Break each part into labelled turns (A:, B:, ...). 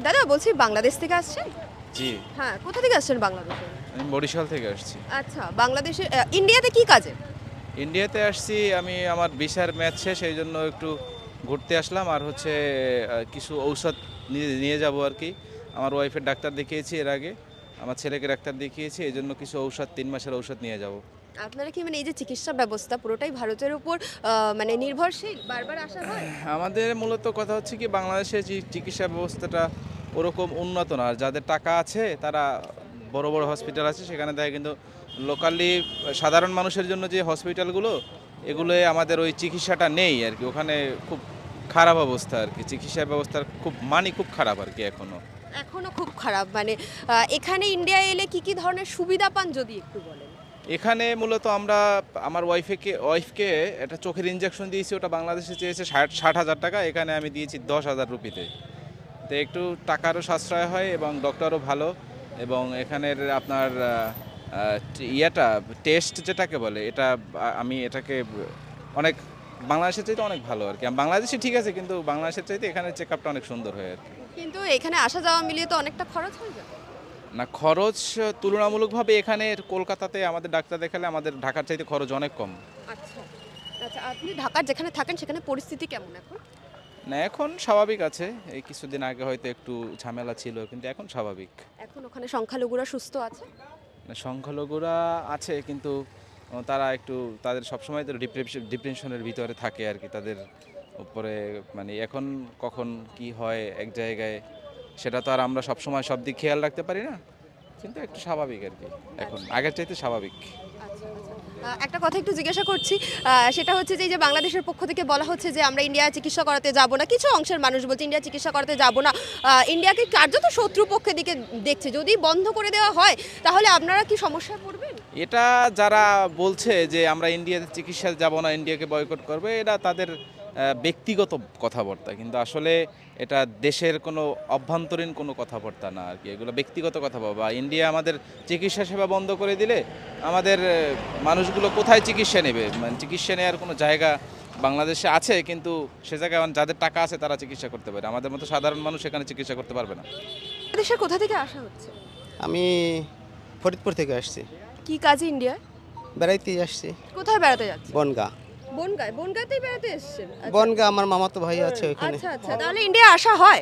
A: দাদা বলছি বাংলাদেশ থেকে আসছেন?
B: জি,
A: হ্যাঁ, কোথা থেকে আসছেন বাংলাদেশে?
B: আমি বরিশাল থেকে আসছি।
A: আচ্ছা, বাংলাদেশে ইন্ডিয়াতে কি কাজে?
B: ইন্ডিয়াতে আসছি আমি আমার ভিসার ম্যাচ শেষ এই জন্য একটু ঘুরতে আসলাম আর হচ্ছে কিছু ঔষধ নিয়ে নিয়ে যাব আর কি। আমার ওয়াইফের ডাক্তার দেখিয়েছি এর আগে, আমার ছেলেকে ডাক্তার দেখিয়েছি এই জন্য কিছু ঔষধ 3 মাসের ঔষধ নিয়ে যাব।
A: আপনারা কি মানে এই যে চিকিৎসা ব্যবস্থা পুরোটাই ভারতের উপর মানে নির্ভরশীল? বারবার আসা হয়?
B: আমাদের মূলত কথা হচ্ছে কি বাংলাদেশের যে চিকিৎসা ব্যবস্থাটা ওরকম উন্নত না, আর যাদের টাকা আছে তারা বড় বড় হসপিটাল আছে সেখানে দেয়, কিন্তু লোকালি সাধারণ মানুষের জন্য যে হসপিটালগুলো এগুলোয় আমাদের ওই চিকিৎসাটা নেই আর কি। ওখানে খুব খারাপ অবস্থা আর কি, চিকিৎসা ব্যবস্থার খুব খারাপ আর কি এখনও।
A: এখনো খুব খারাপ মানে এখানে ইন্ডিয়া এলে কি কি ধরনের সুবিধা পান যদি একটু বলেন?
B: এখানে মূলত আমরা আমার ওয়াইফকে একটা চোখের ইনজেকশন দিয়েছি, ওটা বাংলাদেশে চেয়েছে 60,000 টাকা, এখানে আমি দিয়েছি 10,000 রুপিতে। তো একটু টাকারও সাশ্রয় হয় এবং ডক্টরও ভালো, এবং এখানের আপনার ইয়েটা টেস্ট যেটাকে বলে এটা আমি এটাকে অনেক বাংলাদেশের চাইতে অনেক ভালো আর কি। বাংলাদেশে ঠিক আছে, কিন্তু বাংলাদেশের চাইতে এখানে চেক আপটা অনেক সুন্দর হয় আর কি।
A: কিন্তু এখানে আসা যাওয়া মিলিয়ে তো অনেকটা খরচ হয়ে যায়।
B: না, খরচ তুলনামূলকভাবে এখানে কলকাতাতে আমাদের ডাক্তার দেখালে আমাদের ঢাকার চাইতে খরচ অনেক কম।
A: আচ্ছা আচ্ছা, আপনি ঢাকার যেখানে থাকেন সেখানে পরিস্থিতি কেমন এখন?
B: না, এখন স্বাভাবিক আছে, এই কিছুদিন আগে হয়তো একটু ঝামেলা ছিল কিন্তু এখন স্বাভাবিক।
A: এখন ওখানে সংখ্যালঘুরা সুস্থ আছে?
B: না, সংখ্যালঘুরা আছে কিন্তু তারা একটু তাদের সবসময় তো ডিপ্রেশনের ভিতরে থাকে আর কি, তাদের উপরে মানে এখন কখন কি হয় এক জায়গায় সেটা তো আর আমরা সবসময় সব দিক খেয়াল রাখতে পারি না, কিন্তু একটু স্বাভাবিক আর কি, এখন আগের চাইতে স্বাভাবিক।
A: আচ্ছা আচ্ছা, একটা কথা একটু জিজ্ঞাসা করছি, সেটা হচ্ছে যে এই যে বাংলাদেশের পক্ষ থেকে বলা হচ্ছে যে আমরা ইন্ডিয়া চিকিৎসা করাতে যাব না, কিছু অংশের মানুষ বলছে ইন্ডিয়া চিকিৎসা করাতে যাব না, ইন্ডিয়াকে কার্যত শত্রু পক্ষের দিকে দেখছে, যদি বন্ধ করে দেওয়া হয় তাহলে আপনারা কি সমস্যায় পড়বেন?
B: এটা যারা বলছে যে আমরা ইন্ডিয়াতে চিকিৎসা যাব না, ইন্ডিয়াকে বয়কট করবে, এটা তাদের ব্যক্তিগত কথাবার্তা, কিন্তু আসলে এটা দেশের কোনো অভ্যন্তরীণ কোনো কথাবার্তা না আর কি, এগুলো ব্যক্তিগত কথা বা ইন্ডিয়া আমাদের চিকিৎসা সেবা বন্ধ করে দিলে আমাদের মানুষগুলো কোথায় চিকিৎসা নেবে? মানে চিকিৎসা নেওয়ার কোনো জায়গা বাংলাদেশে আছে, কিন্তু সে জায়গায় যাদের টাকা আছে তারা চিকিৎসা করতে পারে, আমাদের মতো সাধারণ মানুষ এখানে চিকিৎসা করতে পারবে না।
A: দেশের কোথা থেকে আসা হচ্ছে?
C: আমি ফরিদপুর থেকে আসছি,
A: কি কাজে ইন্ডিয়ায়?
C: বেড়াইতে আসছি।
A: কোথায় বেড়াতে যাচ্ছে?
C: বনগা।
A: বনগাঁতেই বেড়াতে এসেছেন? আচ্ছা।
C: বনগা আমার মামাতো ভাই আছে ওইখানে।
A: আচ্ছা আচ্ছা, তাহলে ইন্ডিয়া আসা হয়?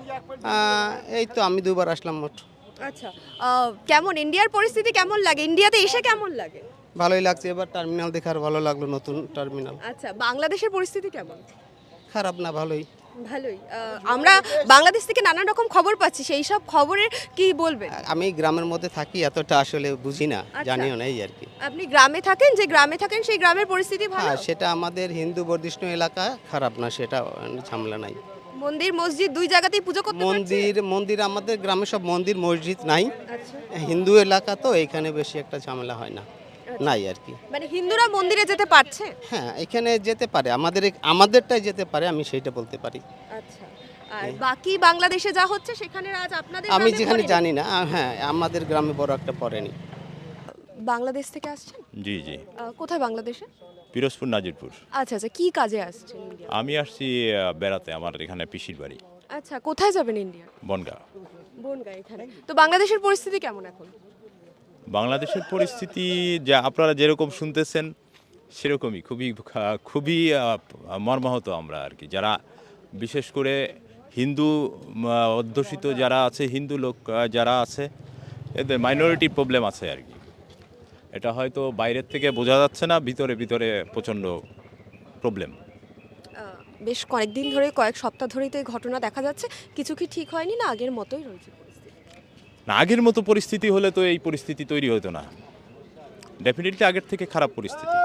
C: এই তো আমি দুবার আসলাম মোট।
A: আচ্ছা, কেমন ইন্ডিয়ার পরিস্থিতি কেমন লাগে? ইন্ডিয়াতে এসে কেমন লাগে?
C: ভালোই লাগছে, এবার টার্মিনাল দেখে আর ভালো লাগলো, নতুন টার্মিনাল।
A: আচ্ছা, বাংলাদেশের পরিস্থিতি কেমন?
C: খারাপ না, ভালোই।
A: ভালোই। আমরা বাংলাদেশ থেকে নানা রকম খবর পাচ্ছি, সেই সব খবরের কি বলবেন?
C: আমি গ্রামের মধ্যে থাকি, এতটা আসলে বুঝি না,
A: আচ্ছা।
C: জানিও না এই আর কি।
A: আপনি গ্রামে থাকেন, যে গ্রামে থাকেন সেই গ্রামের পরিস্থিতি ভালো?
C: হ্যাঁ, সেটা আমাদের হিন্দু বর্ধিষ্ণু এলাকা, খারাপ না, সেটা ঝামেলা নাই।
A: মন্দির মসজিদ দুই জায়গাতেই পুজো করতে পারছে?
C: মন্দির আমাদের গ্রামে সব মন্দির মসজিদ নাই,
A: আচ্ছা,
C: হিন্দু এলাকা তো এখানে বেশি একটা ঝামেলা হয় না, নাই আর কি।
A: মানে হিন্দুরা মন্দিরে যেতে পারছে?
C: হ্যাঁ, এখানে যেতে পারে, আমাদেরটাই যেতে পারে, আমি সেইটা বলতে পারি।
A: আচ্ছা, আর বাকি বাংলাদেশে যা হচ্ছে সেখানে আজ আপনাদের
C: আমি
A: গ্রামে
C: যেখানে
A: পড়েনি?
C: জানি না, হ্যাঁ আমাদের গ্রামে বড় একটা পড়েনি।
A: বাংলাদেশ থেকে আসছেন?
D: জি জি,
A: কোথায় বাংলাদেশে?
D: পিরোজপুর নাজিরপুর।
A: আচ্ছা আচ্ছা, কি কাজে আসছেন ইন্ডিয়া?
D: আমি আসছি বেড়াতে, আমার এখানে পিসির বাড়ি
A: আচ্ছা, কোথায় যাবেন ইন্ডিয়া?
D: বনগাঁ।
A: বনগাঁ এখানে। তো বাংলাদেশের পরিস্থিতি কেমন এখন?
D: বাংলাদেশের পরিস্থিতি যা আপনারা যেরকম শুনতেছেন সেরকমই, খুবই মর্মাহত আমরা আর কি, যারা বিশেষ করে হিন্দু অধ্যুষিত যারা আছে, হিন্দু লোক যারা আছে, এদের মাইনরিটি প্রবলেম আছে আর কি। এটা হয়তো বাইরের থেকে বোঝা যাচ্ছে না, ভিতরে ভিতরে প্রচণ্ড প্রবলেম।
A: বেশ কয়েকদিন ধরে, কয়েক সপ্তাহ ধরেই তো এই ঘটনা দেখা যাচ্ছে, কিছু কি ঠিক হয়নি না আগের মতোই রয়েছে পরিস্থিতি?
D: না, আগের মতো পরিস্থিতি হলে তো এই পরিস্থিতি তৈরি হতো না, ডেফিনেটলি আগের থেকে খারাপ পরিস্থিতি।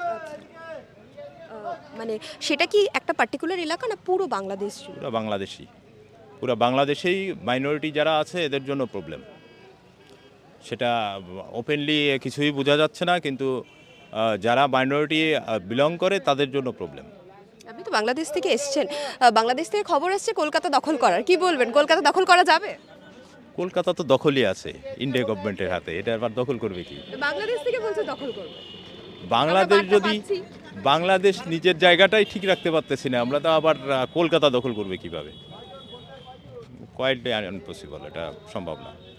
A: মানে সেটা কি একটা পার্টিকুলার এলাকা না পুরো বাংলাদেশ জুড়ে?
D: পুরো বাংলাদেশেই মাইনরিটি যারা আছে এদের জন্য প্রবলেম, সেটা ওপেনলি কিছুই বোঝা যাচ্ছে না, কিন্তু যারা মাইনরিটি বিলং করে তাদের জন্য প্রবলেম।
A: আপনি তো বাংলাদেশ থেকে এসেছেন, বাংলাদেশ থেকে খবর আসছে কলকাতা দখল করার, কি বলবেন? কলকাতা দখল করা যাবে?
D: কলকাতা তো দখলই আছে ইন্ডিয়া গভর্নমেন্টের হাতে, এটা আবার দখল করবে কি?
A: বাংলাদেশ থেকে বলছে দখল করবে।
D: বাংলাদেশ
A: আমরা বার্তা
D: যদি
A: পাচ্ছি।
D: বাংলাদেশ নিজের জায়গাটাই ঠিক রাখতে পারতেছি না, আমরা তো আবার কলকাতা দখল করবে কিভাবে? কোয়াইটলি আনপসিবল, এটা সম্ভব না।